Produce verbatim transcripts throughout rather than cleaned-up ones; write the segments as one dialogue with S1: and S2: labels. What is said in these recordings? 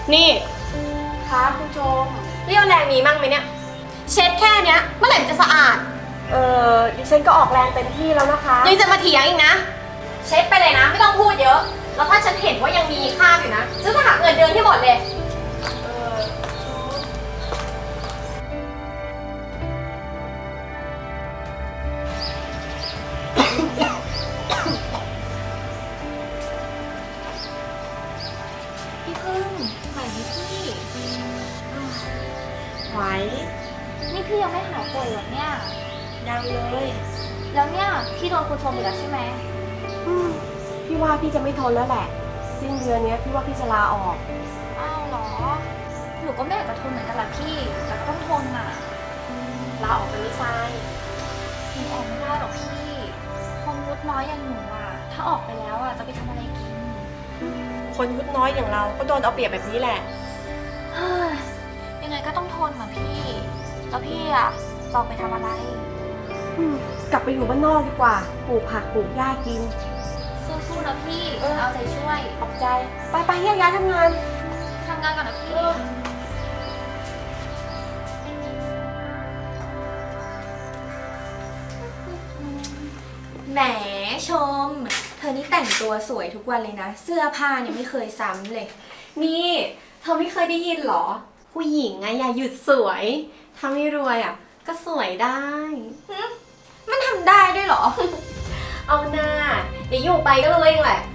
S1: นี่
S2: คะคุณชม
S1: เรี่ยวแรงมีมั่งไหมเนี่ยเช็ดแค่เนี้ยเมื่อไหร่มันจะสะอาด
S2: เออดิฉันก็ออกแรงเต็มที่แล้วนะคะ
S1: ยังจะมาเถียงอีกนะเช็ดไปเลยนะไม่ต้องพูดเยอะแล้วถ้าฉันเห็นว่ายังมีคราบอยู่นะฉันจะหักเงินเดือนที่หมดเลย
S2: เออ
S3: พี่พึ่งไหวไหมพี่
S2: ไหว
S3: นี่พี่ยังไม่หายป่วยเหรอเนี่ย
S2: ยังเลย
S3: แล้วเนี่ยพี่โดนคุณชมอีกแล้วใช่ไหม
S2: อืมพี่ว่าพี่จะไม่ทนแล้วแหละสิ้นเดือนนี้พี่ว่าพี่จะลาออก
S3: อ้าวเหรอหนูก็ไม่อยากจะทนเหมือนกันแหละพี่แต่ก็ต้องทนอ่ะ
S2: ลาออกเป็นไม่ทราย
S3: หนูออกไม่ได้หรอกพี่คนยุดน้อยอย่างหนูอ่ะถ้าออกไปแล้วอ่ะจะไปทำอะไรกิน
S2: คนยุดน้อยอย่างเราก็โดนเอาเปรียบแบบนี้แหละ
S3: เฮ้ยยังไงก็ต้องทนอ่ะพี่แล้วพี่อ่ะจะออกไปทำอะไร
S2: กลับไปอยู่บ้านนอกดีกว่าปลูกผักปลูกหญ้ากิน
S3: สู้ๆนะพี่เอาใจช่วย
S2: ขอบใจไปไปแยกย้ายทำงาน
S3: ทำงานก่อนนะพี่
S4: แหมชมเธอนี่แต่งตัวสวยทุกวันเลยนะเสื้อผ้าเนี่ยไม่เคยซ้ำเลย
S1: นี่เธอไม่เคยได้ยินหรอผู้หญิงอะอย่าหยุดสวยถ้าไม่รวยอะก็สวยได้
S4: มันทำได้ด้วยเหรอ
S1: เอาหน้าเดี๋ยวอยู่ไปก็รู้เองแหละ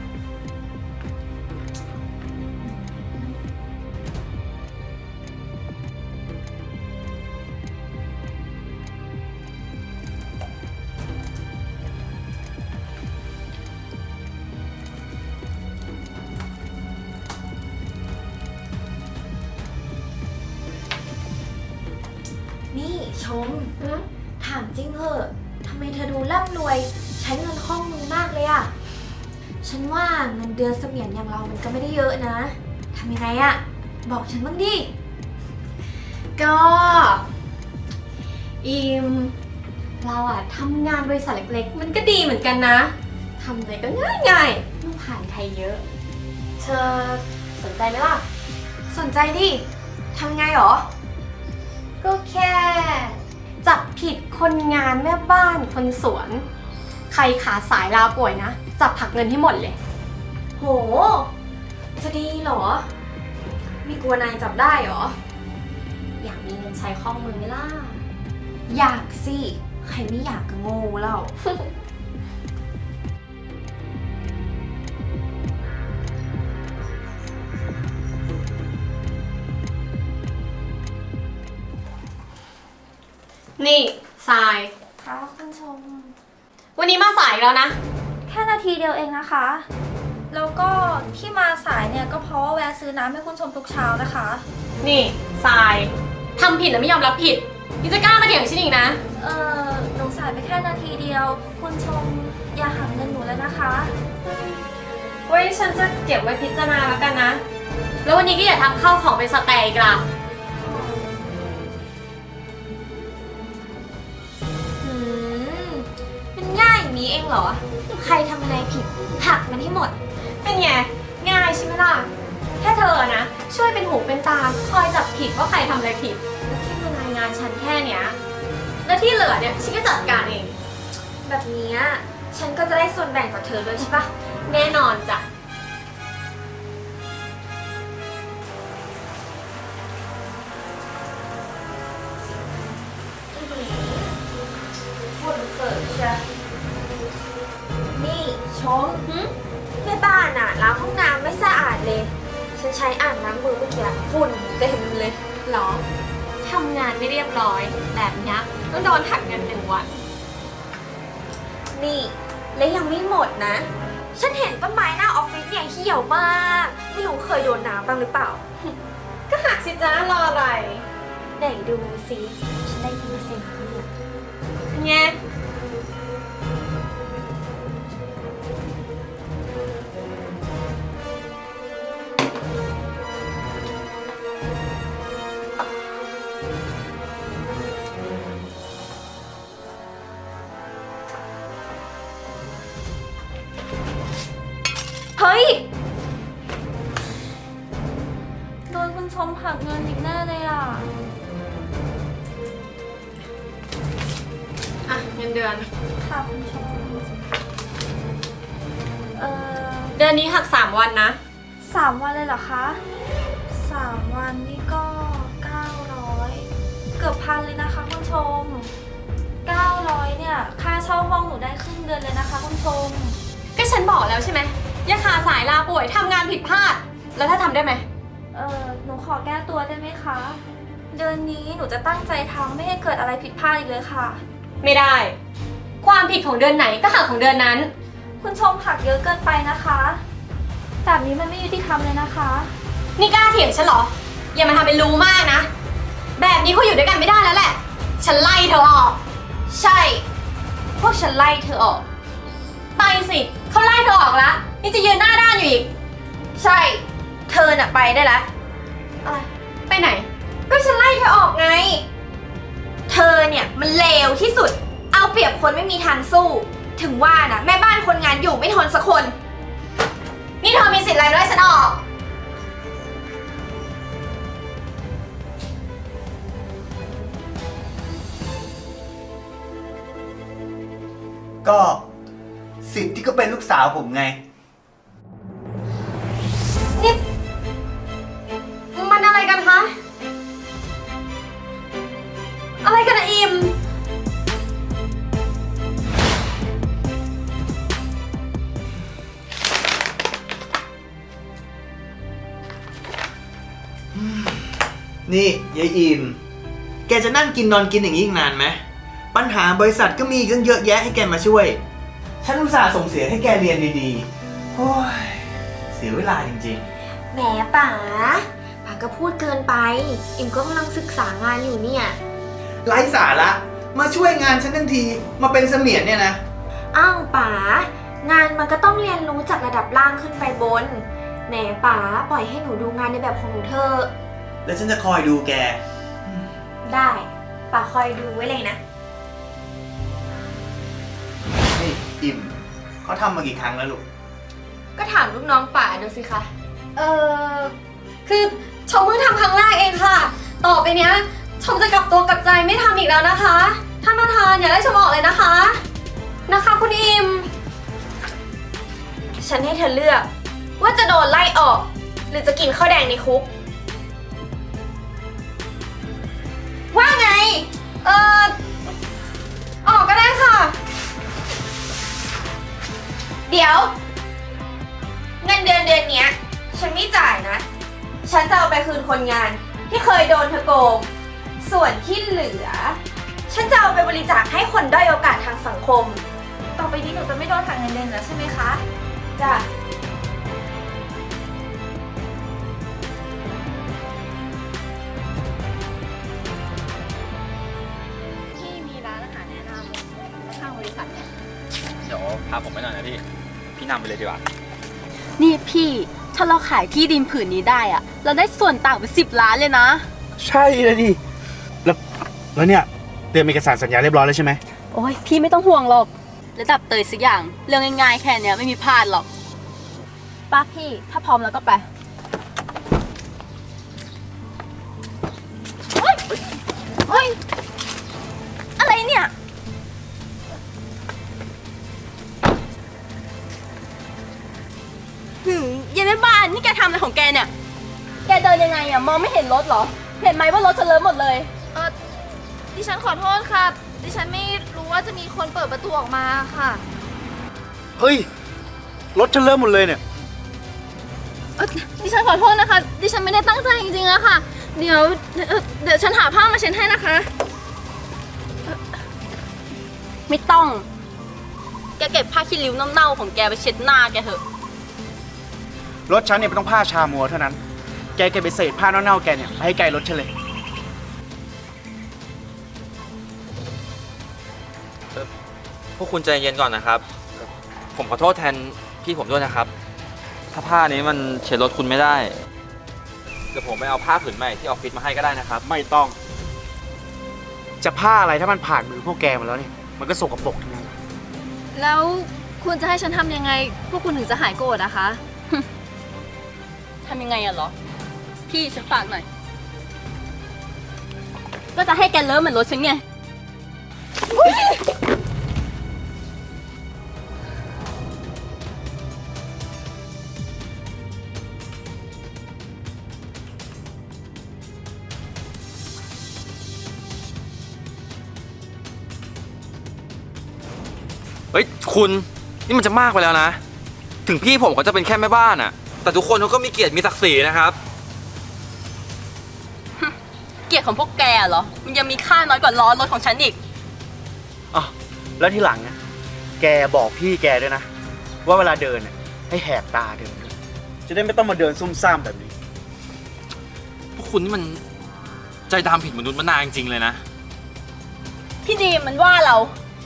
S4: นี่ชมถามจริงเหอะทำไมเธอดูร่ำรวยใช้เงินคล่องมือมากเลยอะฉันว่าเงินเดือนเสมียนอย่างเรามันก็ไม่ได้เยอะนะทำยังไงอะบอกฉันบ้างดิ
S1: ก็อิมเราอะทำงานบริษัทเล็กๆมันก็ดีเหมือนกันนะทำอะไรก็ง่ายๆไม่ผ่านใครเยอะเธอสนใจไหมล่ะ
S4: สนใจดิทำไงหรอ
S1: ก็แค่จับผิดคนงานแม่บ้านคนสวนใครขาสายลาป่วยนะจับหักเงินให้หมดเลย
S4: โหจะดีเหรอมีกลัวนายจับได้เหรอ
S1: อยากมีเงินใช้คล่องมือไหมล่ะ
S4: อยากสิใครไม่อยากก็โง่แล้ว
S1: นี่ทราย
S3: ค่ะคุณชม
S1: วันนี้มาสายแล้วนะ
S3: แค่นาทีเดียวเองนะคะแล้วก็ที่มาสายเนี่ยก็เพราะว่าแวะซื้อน้ำให้คุณชมทุกเช้านะคะ
S1: นี่ทรายทำผิดแล้วไม่ยอมรับผิดนี่จะกล้ามาเถียงฉันอีกนะ
S3: เออหนูสายไปแค่นาทีเดียวคุณชมอย่าหักเงินหนูเลยนะคะ
S1: ไว้ฉันจะเก็บไว้พิจารณาแล้วกันนะแล้ววันนี้ก็อย่าทำข้าวของเป็นสแตกอีกล่ะ
S4: ง่ายอย่างนี้เองเหรอใครทำอะไรผิดหักมันให้หมด
S1: เป็นไงง่ายใช่ไหมล่ะแค่เธอนะช่วยเป็นหูเป็นตาคอยจับผิดว่าใครทำอะไรผิดแค่มารายงานฉันแค่เนี้ยแล้วที่เหลือเนี่ยฉันก็จัดการเอง
S4: แบบนี้ฉันก็จะได้ส่วนแบ่งจากเธอด้วยใช่ปะ
S1: แน่นอนจ้ะ
S4: ฝุ่นเกิดใช่นี่ชมแม่บ้านอ่ะล้างห้องน้ำไม่สะอาดเลยฉันใช้อ่างน้ำมือเมื่อกี้ฝุ่นเต็มเลย
S1: หรอทำงานไม่เรียบร้อยแบบนี้ต้องโดนหักเงินหนึ่งวัน
S4: นี่และยังไม่หมดนะฉันเห็นต้นไม้หน้าออฟฟิศเนี่ยเหี่ยวมากไม่รู้เคยโดนน้ำบ้างหรือเปล่า
S1: ก็หักสิจ้ารออะไร
S4: ไหนดูสิฉันได้ยินเสียงเนี่ย
S1: ไง
S4: เฮ้ยโดน
S3: ชมหักเงินอีกแน่เลยอ่ะ
S1: อ่ะเงินเดือน
S3: ค่ะคุณชม เอ่อ
S1: เดือนนี้หักสามวันนะ
S3: สามวันเลยเหรอคะสามวันนี่ก็เก้าร้อยเกือบพันเลยนะคะคุณชมเก้าร้อยเนี่ยค่าเช่าห้องหนูได้ครึ่งเดือนเลยนะคะคุณชม
S1: ก็ฉันบอกแล้วใช่ไหมอย่าขาสายลาป่วยทำงานผิดพลาด แล้วถ้าทำได้ไหม
S3: เออหนูขอแก้ตัวได้ไหมคะ เดือนนี้หนูจะตั้งใจทำไม่ให้เกิดอะไรผิดพลาดอีกเลยค่ะ
S1: ไม่ได้ ความผิดของเดือนไหนก็หักของเดือนนั้น
S3: คุณชมหักเยอะเกินไปนะคะแบบนี้มันไม่ยุติธรรมเลยนะคะ
S1: นี่กล้าเถียงฉันเหรอ อย่ามาทำเป็นรู้มากนะ แบบนี้เขาอยู่ด้วยกันไม่ได้แล้วแหละ ฉันไล่เธอออก ใช่ พวกฉันไล่เธอออก ไปสิ เขาไล่เธอออกแล้วนี่จะยืนหน้าด้านอยู่อีก
S4: ใช่ เธอน่ะไปได้แล้ว
S1: อะไร ไปไหน ก็ฉันไล่เธอออกไง
S4: เธอเนี่ยมันเลวที่สุด เอาเปรียบคนไม่มีทางสู้ ถึงว่านะแม่บ้านคนงานอยู่ไม่ทนสักคน
S1: นี่เธอมีสิทธิ์อะไรมาไล่ฉันออก
S5: ก็สิทธิ์ที่ก็เป็นลูกสาวผมไง
S1: นี่มันอะไรกันคะ อะไรกันอะอิม
S5: นี่ยายอิมแกจะนั่งกินนอนกินอย่างนี้อีกนานไหมปัญหาบริษัทก็มีอีกตั้งเยอะแยะให้แกมาช่วย ฉันอุตส่าห์ส่งเสียให้แกเรียนดีๆโอ้ยเสียเวลาจริง
S4: แหมป๋าป๋าก็พูดเกินไป อิมก็กำลังศึกษางานอยู่เนี่ย
S5: ๆไร้สาระมาช่วยงานฉันทั้งทีมาเป็นเสมียนเนี่ยนะ
S4: อ้าวป๋างานมันก็ต้องเรียนรู้จากระดับล่างขึ้นไปบน แหมป๋าปล่อยให้หนูดูงานในแบบของหนูเถอะ
S5: แล้วฉันจะคอยดูแก
S4: ได้ป๋าคอยดูไว้เลยนะ
S5: นี่อิมเขาทำมากี่ครั้งแล้วลูก
S1: ก็ถามลูกน้องป่าดูสิคะ เออคือชมเพิ่งทำครั้งแรกเองค่ะ ต่อไปเนี้ยชมจะกลับตัวกลับใจไม่ทำอีกแล้วนะคะ ท่านประธานอย่าไล่ชมออกเลยนะคะ นะคะคุณอิม
S4: ฉันให้เธอเลือก ว่าจะโดนไล่ออก หรือจะกินข้าวแดงในคุก ว่าไง
S1: เออออกก็ได้ค่ะ
S4: เดี๋ยว เงินเดือนเดือนเนี้ย ฉันไม่จ่ายนะ ฉันจะเอาไปคืนคนงาน ที่เคยโดนเธอโกง ส่วนที่เหลือ ฉันจะเอาไปบริจาคให้คนด้อยโอกาสทางสังคม
S3: ต่อไปนี้หนูจะไม่โดนหักเงินเดือนแล้วใช่ไหมคะ
S4: จ้ะ
S1: ที่มีร้านอาหารแนะนำข้างบริษัทเนี่ย
S6: เดี๋ยวพาผมไปหน่อยนะพี่ พี่นำไปเลยดีกว่า
S7: นี่พี่ ถ้าเราขายที่ดินผืนนี้ได้อะเราได้ส่วนต่างเป็นสิบล้านเลยนะ
S8: ใช่เลยดิ แล้ว แล้วเนี่ย เตรียมเอกสารสัญญาเรียบร้อยแล้วใช่ไหม
S7: โอ้ยพี่ไม่ต้องห่วงหรอก ระดับเตยสักอย่าง เรื่องง่ายๆแค่เนี้ยไม่มีพลาดหรอกป้าพี่ ถ้าพร้อมแล้วก็ไป เฮ้ย เฮ้ย อะไรเนี่ย หืมเย็นแม่บ้านนี่แกทำอะไรของแกเนี่ย แกเดินยังไงอะมองไม่เห็นรถเหรอ เห็นไหมว่ารถฉันเลอะหมดเลย
S3: เออดิฉันขอโทษค่ะ ดิฉันไม่รู้ว่าจะมีคนเปิดประตูออกมาค่ะ
S8: เฮ้ย รถฉันเริ่มหมดเลยเนี่ย
S3: เอ่อดิฉันขอโทษนะคะ ดิฉันไม่ได้ตั้งใจจริงๆอะค่ะ เดี๋ยวเอ่อเดี๋ยวฉันหาผ้ามาเช็ดให้นะคะ
S7: ไม่ต้อง แกเก็บผ้าขี้ริ้วเน่าๆของแกไปเช็ดหน้าแกเถอะ
S8: รถฉันเนี่ยไม่ต้องผ้าชามัวเท่านั้น แกเก็บไปเศษผ้าเน่าๆแกเนี่ยไปให้ไกลรถฉันเลย
S6: พวกคุณใจเย็นก่อนนะครับ ผมขอโทษแทนพี่ผมด้วยนะครับ ถ้าผ้านี้มันเช็ดรถคุณไม่ได้ เดี๋ยวผมไปเอาผ้าผืนใหม่ที่ออฟฟิศมาให้ก็ได้นะครับ
S8: ไม่ต้อง จะผ้าอะไรถ้ามันผ่านมือพวกแกมาแล้วเนี่ย มันก็สกปรกทั้งนั้น
S3: แล้วคุณจะให้ฉันทำยังไง พวกคุณถึงจะหายโกรธนะคะ
S7: ทำยังไงอะเหรอพี่ฉันฝากหน่อย ก็จะให้แกเลิฟเหมือนรถฉันไง
S6: เฮ้ยคุณนี่มันจะมากไปแล้วนะ ถึงพี่ผมเขาจะเป็นแค่แม่บ้านอะแต่ทุกคนเขาก็มีเกียรติมีศักดิ์ศรีนะครับ
S7: เกียรติของพวกแกเหรอ มันยังมีค่าน้อยกว่าล้อรถของฉันอีก
S8: อ๋อแล้วที่หลังเนี่ยแกบอกพี่แกด้วยนะ ว่าเวลาเดินเนี่ยให้แหกตาเดินด้วยจะได้ไม่ต้องมาเดินซุ่มซ่ามแบบนี้
S6: พวกคุณนี่มันใจดำผิดมนุษย์มนาจริงๆเลยนะ
S7: พี่ดีมมันว่าเรา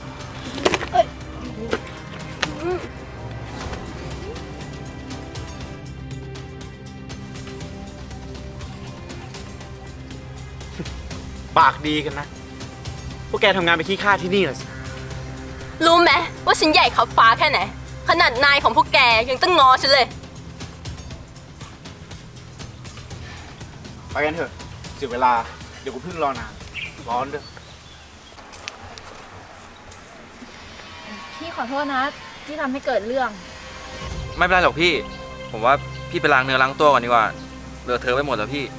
S8: ปากดีกันนะ พวกแกทำงานไปขี้ข้าที่นี่เหรอสิ
S7: รู้ไหมว่าฉันใหญ่ขับฟ้าแค่ไหน ขนาดนายของพวกแกยังต้องงอฉันเลย
S8: ไปกันเถอะเสียเวลา เดี๋ยวกูเพิ่งรอนานร้อนด้วย
S3: พี่ขอโทษนะที่ทำให้เกิดเรื่อง
S6: ไม่เป็นไรหรอกพี่ ผมว่าพี่ไปล้างเนื้อล้างตัวก่อนดีกว่าเลอะเทอะไปหมดแล้วพี่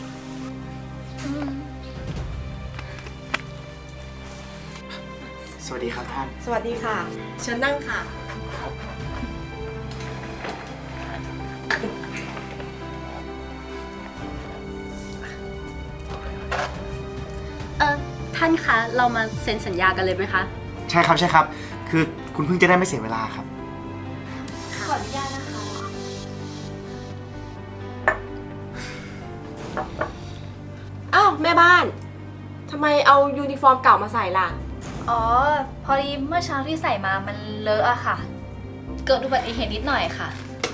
S8: สวัสดีครับท่าน
S2: สวัสดีค่ะ เชิญนั่งค่ะ
S7: เออท่านคะ เรามาเซ็นสัญญากันเลยไหมคะ
S8: ใช่ครับใช่ครับ คือคุณเพิ่งจะได้ไม่เสียเวลาครับ
S3: ขออนุญาตนะคะ
S2: อ้าวแม่บ้าน ทำไมเอายูนิฟอร์มเก่ามาใส่ล่ะ
S3: อ๋อ พอดีเมื่อเช้าที่ใส่มามันเลอะอะค่ะ เกิดอุบัติเหตุนิดหน่อยค่ะ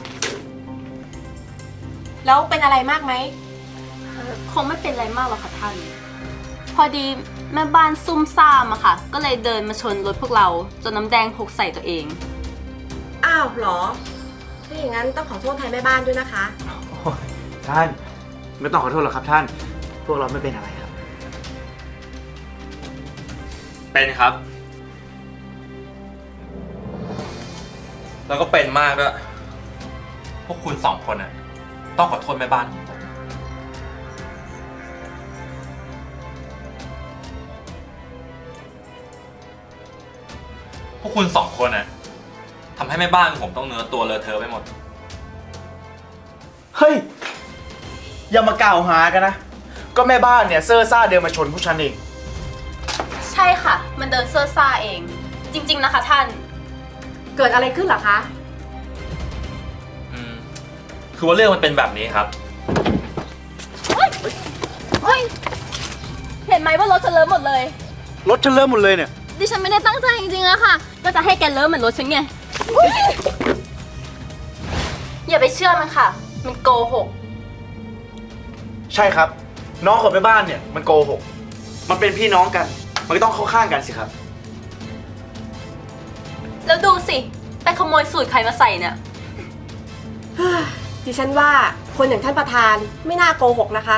S2: แล้วเป็นอะไรมากไหม
S7: คงไม่เป็นไรมากหรอกค่ะท่าน พอดีแม่บ้านซุ่มซ่ามอะค่ะ ก็เลยเดินมาชนรถพวกเราจนน้ำแดงหกใส่ตัวเอง
S2: อ้าวเหรอ ถ้าอย่างนั้นต้องขอโทษแทนแม่บ้านด้วยนะคะ
S8: ท่านไม่ต้องขอโทษหรอกครับท่าน พวกเราไม่เป็นอะไรครับ
S6: เป็นครับ แล้วก็เป็นมากด้วย พวกคุณสองคนน่ะต้องขอโทษแม่บ้านของผม พวกคุณสองคนน่ะทำให้แม่บ้านของผมต้องเนื้อตัวเลอะเทอะไปหมด
S8: เฮ้ย อย่ามากล่าวหากันนะ ก็แม่บ้านเนี่ยเซอร์ซ่าเดินมาชนผู้ชันเอง
S7: ใช่ค่ะ มันเดินเซ่อซ่าเอง จริง ๆนะคะท่าน
S2: เกิดอะไรขึ้นเหรอคะ
S6: อืม คือว่าเรื่องมันเป็นแบบนี้ครับ
S7: เฮ้ย เห็นไหมว่ารถฉันเลิฟหมดเลย
S8: รถฉันเริ่มหมดเลยเนี่ย
S7: ดิฉันไม่ได้ตั้งใจจริงๆอะค่ะ ก็จะให้แกเลิฟเหมือนรถฉันไง อย่าไปเชื่อมันค่ะ มันโกหก
S8: ใช่ครับ น้องของแม่บ้านเนี่ยมันโกหก มันเป็นพี่น้องกัน มันก็ต้องเข้าข้างกันสิครับ
S7: แล้วดูสิ ไปขโมยสูตรใครมาใส่เนี่ย
S2: ดิฉันว่าคนอย่างท่านประธานไม่น่าโกหกนะคะ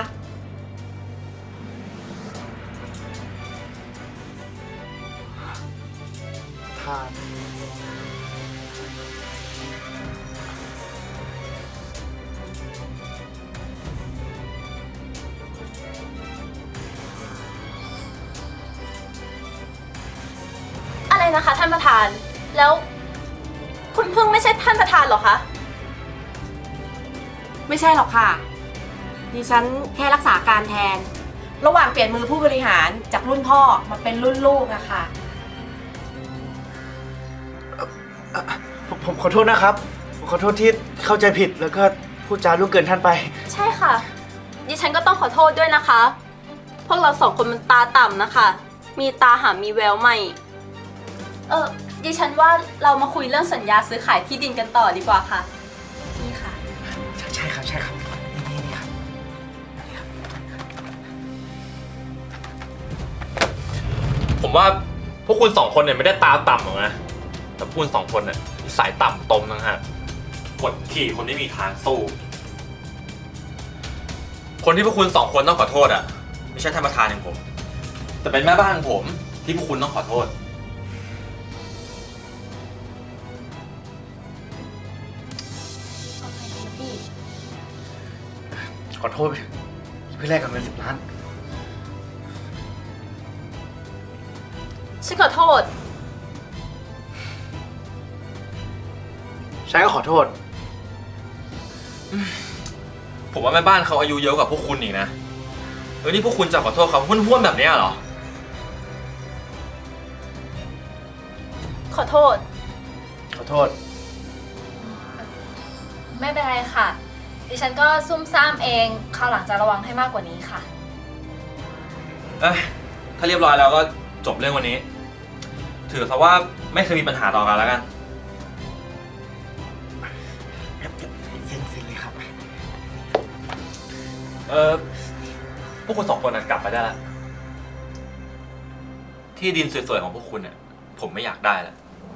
S8: ท่าน
S7: อะไรนะคะท่านประธาน แล้ว คุณพึ่งไม่ใช่ท่านประธานเหรอคะ
S2: ไม่ใช่หรอกค่ะ ดิฉันแค่รักษาการแทน ระหว่างเปลี่ยนมือผู้บริหารจากรุ่นพ่อมาเป็นรุ่นลูกอะค่ะ
S8: ผมผมขอโทษนะครับ ผมขอโทษที่เข้าใจผิดแล้วก็พูดจาล่วงเกินท่านไป
S7: ใช่ค่ะ ดิฉันก็ต้องขอโทษด้วยนะคะ พวกเราสองคนมันตาต่ำนะคะ มีตาหามีแววไม่ เออดิฉันว่าเรามาคุยเรื่องสัญญาซื้อขายที่ดินกันต่อดีกว่าค่ะ นี่ค่ะ
S8: ใช่ใช่ครับใช่ครับ นี่นี่ครับ
S6: ผมว่าพวกคุณสองคนเนี่ยไม่ได้ตาต่ำหรอกนะ แต่พวกคุณสองคนเนี่ยนิสัยต่ำตมนะฮะกดขี่คนไม่มีทางสู้คนที่พวกคุณสองคนต้องขอโทษอ่ะไม่ใช่ท่านประธานอย่างผม แต่เป็นแม่บ้านของผมที่พวกคุณต้องขอโทษ
S8: ขอโทษเพื่อแลกกับเงินสิบล้าน
S7: ฉันขอโทษ
S8: ฉันก็ขอโทษ
S6: ผมว่าแม่บ้านเขาอายุเยอะกว่าพวกคุณอีกนะเออนี่พวกคุณจะขอโทษเขาห้วนๆแบบนี้เหรอ
S7: ขอโทษ
S8: ขอโทษ
S3: ไม่เป็นไรค่ะ ดิฉันก็ซุ่มซ่ามเองคราวหลังจะระวังให้มากกว่านี้ค่ะ
S6: เอ้ยถ้าเรียบร้อยแล้วก็จบเรื่องวันนี้ ถือซะว่าไม่เคยมีปัญหาต่อกันแล้วกัน
S8: เซ็นเซ็นเลยครับ
S6: เออพวกคุณสองคนนะกลับไปได้แล้วที่ดินสวยๆของพวกคุณเนี่ยผมไม่อยากได้แล้ว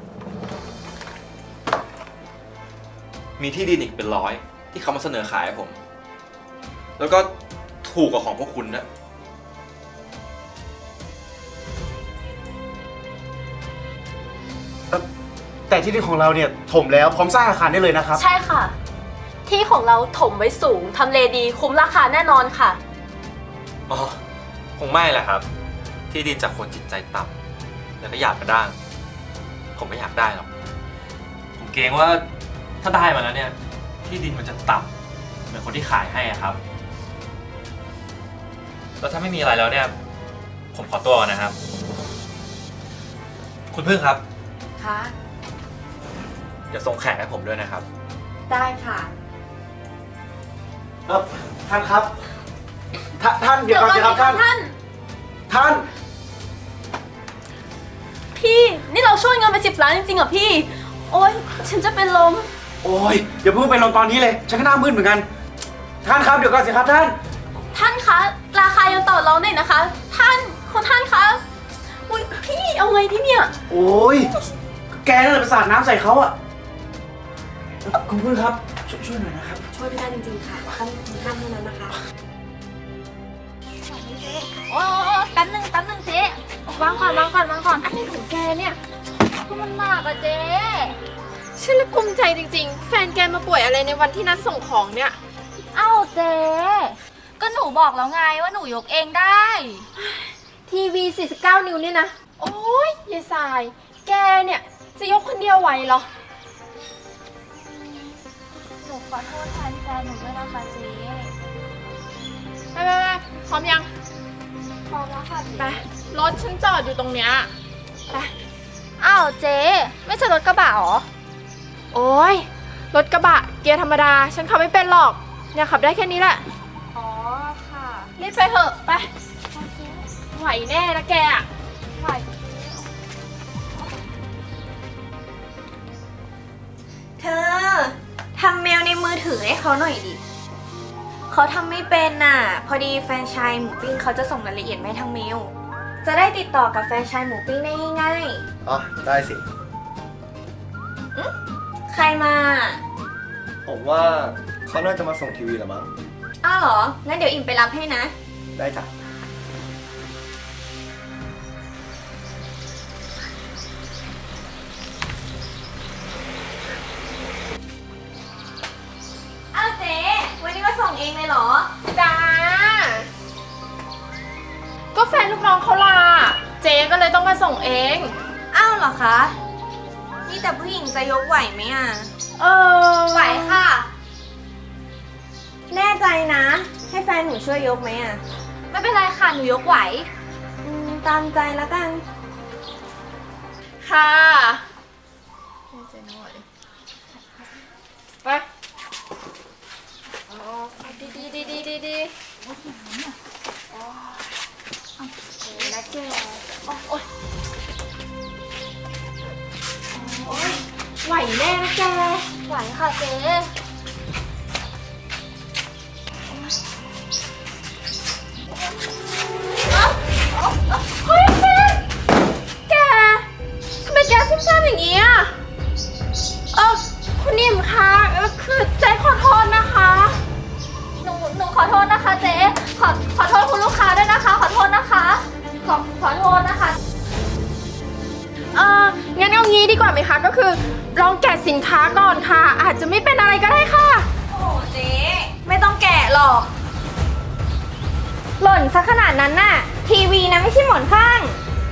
S6: มีที่ดินอีกเป็นร้อยที่เขามาเสนอขายให้ผม แล้วก็ถูกกว่าของพวกคุณนะ
S8: แต่ที่ดินของเราเนี่ยถมแล้วพร้อมสร้างอาคารได้เลยนะครับ
S7: ใช่ค่ะ ที่ของเราถมไว้สูงทำเลดีคุ้มราคาแน่นอนค่ะ
S6: อ๋อคงไม่แหละครับ ที่ดินจากคนจิตใจต่ำแล้วก็อยากกระด้างผมไม่อยากได้หรอกผมเกรงว่าถ้าได้มาแล้วเนี่ยที่ดินมันจะต่ำเหมือนคนที่ขายให้อะครับแล้วถ้าไม่มีอะไรแล้วเนี่ยผมขอตัวก่อนนะครับ คุณพึ่งครับ
S2: คะ
S6: เดี๋ยวส่งแขกให้ผมด้วยนะครับ
S2: ได้ค่ะ
S8: เออท่านครับ ท่านท่านเดี๋ยวก่อนสิครับท่าน
S7: ท่าน
S8: ท่าน
S7: พี่ นี่เราช่วยเงินไปสิบล้านจริงๆเหรอพี่ โอ๊ย ฉันจะเป็นลม
S8: โอ้ยอย่าเพิ่งไปลงตอนนี้เลย ฉันก็หน้ามืดเหมือนกัน ท่านครับเดี๋ยวก่อนสิครับท่าน
S7: ท่านคะ ราคายังต่อรองได้นะคะ ท่านคุณท่านคะ อุ๊ย พี่เอาไงดีเนี่ย
S8: โอ้ยแกนั่นแหละไปสาดน้ำใส่เขาอะคุณพึ่งครับช่วยช่วยหน่อยนะครับ
S2: ช่วยไม่ได้จริงๆค่ะต้องถึงขั้นเท่านั้นนะคะ
S3: โอ้แป๊บนึงแป๊บนึงเจ๊วางก่อนวางก่อนวางก่อน อันนี้ของแกเนี่ยก็มันหนักอะเจ๊
S1: ฉันละกุมใจจริงๆ แฟนแกมาป่วยอะไรในวันที่นัดส่งของเนี่ย
S3: เอ้าเจ๊ก็หนูบอกแล้วไงว่าหนูยกเองได้
S1: ทีวี สี่สิบเก้า นิ้วเนี่ยนะ โอ้ยยายสาย แกเนี่ยจะยกคนเดียวไหวเหรอ
S3: หนูขอโทษแทนแฟนหนูด้วยนะคะเจ๊
S1: ไปไปไปพร้อมยัง
S3: พอแล้วค่ะเจ๊
S1: ไป รถฉันจอดอยู่ตรงเนี้ย ไป
S3: อ้าวเจ๊ไม่ใช่รถกระบะเหรอ
S1: โอ้ย รถกระบะเกียร์ธรรมดา ฉันขับไม่เป็นหรอก เนี่ยขับได้แค่นี้แหละ
S3: อ๋อค่ะ
S1: รีบไปเถอะ ไป ไหวแน่นะแกอะ
S3: ไหว
S4: เธอทำเมลในมือถือให้เขาหน่อยดิ เขาทำไม่เป็นน่ะ พอดีแฟรนไชส์หมูปิ้งเขาจะส่งรายละเอียดมาให้ทางเมล จะได้ติดต่อกับแฟรนไชส์หมูปิ้งได้ง่าย
S8: อ๋อ ได้สิ
S4: ๆ ใครมา
S9: ผมว่าเขาน่าจะมาส่งทีวีแหละมั้ง
S4: อ้าวเหรอ งั้นเดี๋ยวอิ่มไปรับให้นะ
S9: ได้จ้ะ
S4: อ้าวเจ๊วันนี้มาส่งเองเลยเหรอ
S1: จ้า ก็แฟนลูกน้องเขาลา เจ๊ก็เลยต้องมาส่งเอง
S4: อ้าวเหรอคะ นี่แต่ผู้หญิงจะยกไหวไหมอ่ะ
S1: เออ
S4: ไหวค่ะ แน่ใจนะ ให้แฟนหนูช่วยยกไหมอ่ะ
S3: ไม่เป็นไรค่ะหนูยกไหว
S4: อืม ตามใจแล้วกัน
S1: ค่ะไปดีดีดีดีดีดีนะแกโอ๊ยโอ๊ยไหวแน่นะแก
S3: ไหวค่ะเจ๊
S1: เฮ้ยแกแกทำไมแกซุ่มซ่ามอย่างนี้อ่ะเออคุณนิ่มคะเออคือใจขอโทษนะคะ
S3: หนูหนูขออโทษนะคะเจ๊ขอขอโทษคุณลูกค้าด้วยนะคะ ขอโทษนะคะขอขอโทษนะคะ
S2: เอองั้นเอางี้ดีกว่าไหมคะ ก็คือลองแกะสินค้าก่อนค่ะ อาจจะไม่เป็นอะไรก็ได้ค่ะ
S3: โอ้เจ๊ไม่ต้องแกะหรอกหล่นซะขนาดนั้นน่ะทีวีนะไม่ใช่หมอนข้าง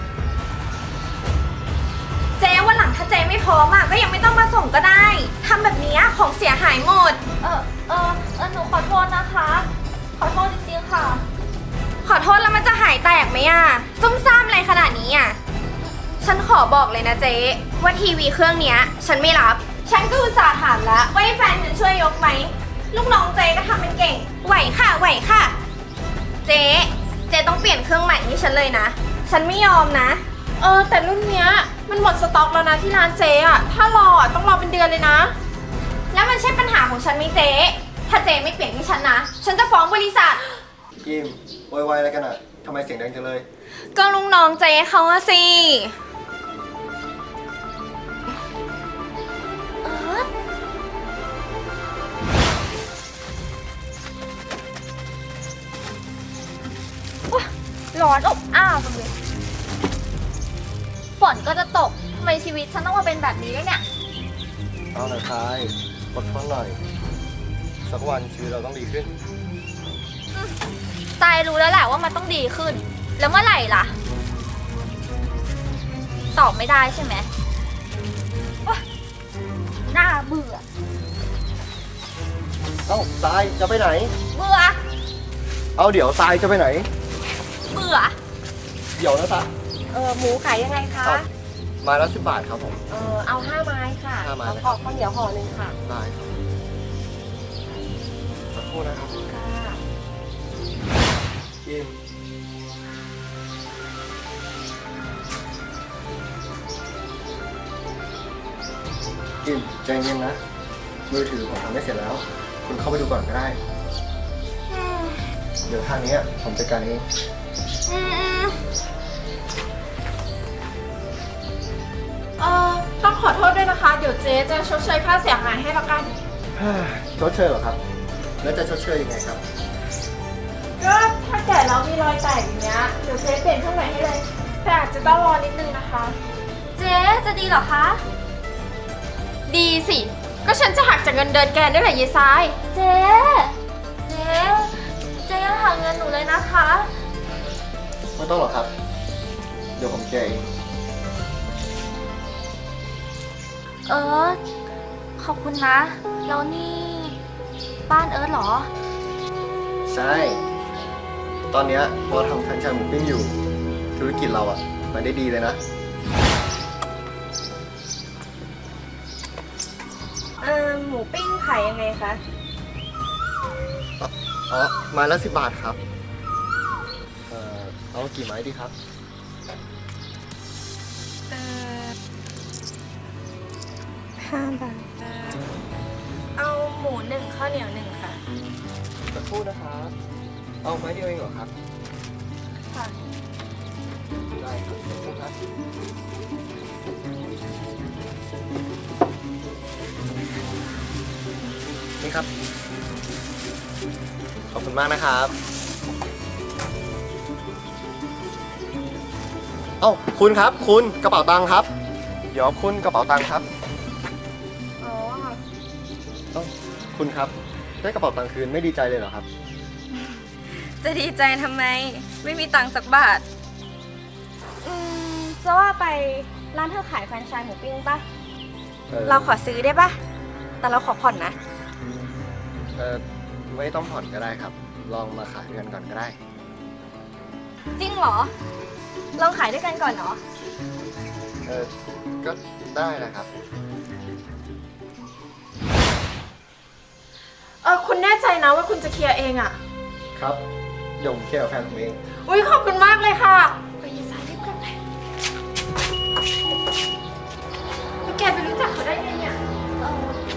S3: เจ๊วันหลังถ้าเจ๊ไม่พร้อมอ่ะก็ยังไม่ต้องมาส่งก็ได้ทำแบบนี้ของเสียหายหมดเออเออเออหนูขอโทษนะคะ ขอโทษจริงๆค่ะ ขอโทษแล้วมันจะหายแตกไหมอ่ะซุ่มซ่ามอะไรขนาดนี้อ่ะฉันขอบอกเลยนะเจ๊ว่าทีวีเครื่องเนี้ยฉันไม่รับฉันก็อุตส่าห์ถามแล้วว่าให้แฟนฉันช่วยยกไหมลูกน้องเจ๊ก็ทำเป็นเก่งไหวค่ะไหวค่ะเจ๊เจ๊ต้องเปลี่ยนเครื่องใหม่ให้ฉันเลยนะฉันไม่ยอมนะ
S2: เออแต่รุ่นเนี้ยมันหมดสต็อกแล้วนะที่ร้านเจ๊อะถ้ารออะต้องรอเป็นเดือนเลยนะ
S3: แล้วมันใช่ปัญหาของฉันไหมเจ๊ถ้าเจ๊ไม่เปลี่ยนให้ฉันนะฉันจะฟ้องบริษัท
S9: อิมโวยวายอะไรกันอ่ะทำไมเสียงดังจังเลย
S3: ก็ลุงน้องเจ๊เขาอะสิร้อนอบอ้าวจังเลยฝนก็จะตกทำไมชีวิตฉันต้องมาเป็นแบบนี้ด้วยเนี่ย
S9: เอาหน่อยทายอดทนหน่อย สักวันชีวิตเราต้องดีขึ้น
S3: ตายรู้แล้วแหละว่ามันต้องดีขึ้น แล้วเมื่อไหร่ล่ะ ตอบไม่ได้ใช่ไหมว้าน่าเบื่อ
S9: เอ้าทรายจะไปไหน
S3: เบื่อ
S9: เอาเดี๋ยวทรายจะไปไหน
S3: เบื่อ
S9: เดี๋ยวนะทราย
S2: เออหมูขายยังไงคะ
S9: ครับไมาละสิบบาทครับผม
S2: เออเอาห้าไม้ค่ะ
S9: ห้าไม้
S2: แล้ว
S9: เลยค
S2: ก็
S9: รับ
S2: ข้าวเหนียวห่อหนึ่งค่ะ
S9: ได้ครับสักครู่นะครับ
S2: ค่ะ
S9: อิมอิมใจเย็นนะ มือถือผมทำไม่เสร็จแล้ว คุณเข้าไปดูก่อนก็ได้ เดี๋ยวทางนี้ผมจัดการเอง
S3: อืม
S2: เออต้องขอโทษด้วยนะคะ เดี๋ยวเจ๊จะชดเชยค่าเสียหายให้ละกัน
S9: ชดเชยเหรอครับ แล้วจะชดเชยยังไงครับ
S2: ก็ถ้าแก่แล้วมีรอยแตกอย่างเงี้ย เดี๋ยวเจ๊เปลี่ยนเครื่องใหม่ให้เลย แต่อาจจะต้องรอนิดนึงนะคะ
S3: เจ๊จะดีเหรอคะ
S2: ดีสิ ก็ฉันจะหักจากเงินเดือนแกด้วยแหละยายซ้าย
S3: เจ๊ เจ๊ เจ๊ยังหาเงินหนูเลยนะคะ
S9: ไม่ต้องหรอกครับ เดี๋ยวผมแก้เอง
S3: เอิร์ธขอบคุณนะ แล้วนี่บ้านเอิร์ธเหรอ
S9: ใช่ ตอนเนี้ยเราทำแฟรนไชส์หมูปิ้งอยู่ ธุรกิจเราอะมันได้ดีเลยนะ
S2: เออหมูปิ้งขายยังไงคะ
S9: อ๋อไม้ละสิบบาทครับ เอ่อ เอากี่ไม้ดีครับ
S2: เออห้าบาท เอาหมูหนึ่งข้าวเหนียวหนึ่งค่ะ
S9: สักครู่นะครับ เอาไม้เดียวเองเหรอครับ
S2: ค่ะ
S9: ได้ครับสักครู่ครับนี่ครับ ขอบคุณมากนะครับ เอ้าคุณครับ คุณกระเป๋าตังค์ครับ เดี๋ยวคุณกระเป๋าตังค์ครับ
S2: อ๋อ
S9: เอ้าคุณครับ ได้กระเป๋าตังค์คืนไม่ดีใจเลยเหรอครับ
S3: จะดีใจทำไม ไม่มีตังค์สักบาท อืม จะว่าไปร้านเธอขายแฟรนไชส์หมูปิ้งปะ
S9: เอ่อ
S3: เราขอซื้อได้ปะแต่เราขอผ่อนนะ
S9: เออไม่ต้องผ่อนก็ได้ครับ ลองมาขายกันก่อนก็ได้
S3: จริงเหรอ ลองขายด้วยกันก่อนเนาะ
S9: เออก็ได้นะครับ
S2: เออคุณแน่ใจนะว่าคุณจะเคลียร์เองอะ
S9: ครับเดี๋ยวผมเคลียร์กับแฟนผมเอง
S2: อุ้ยขอบคุณมากเลยค่ะไปยายซ้ายรีบกลับเลยแล้วแกไปรู้จักเขาได้ไงเนี่ย
S3: เออ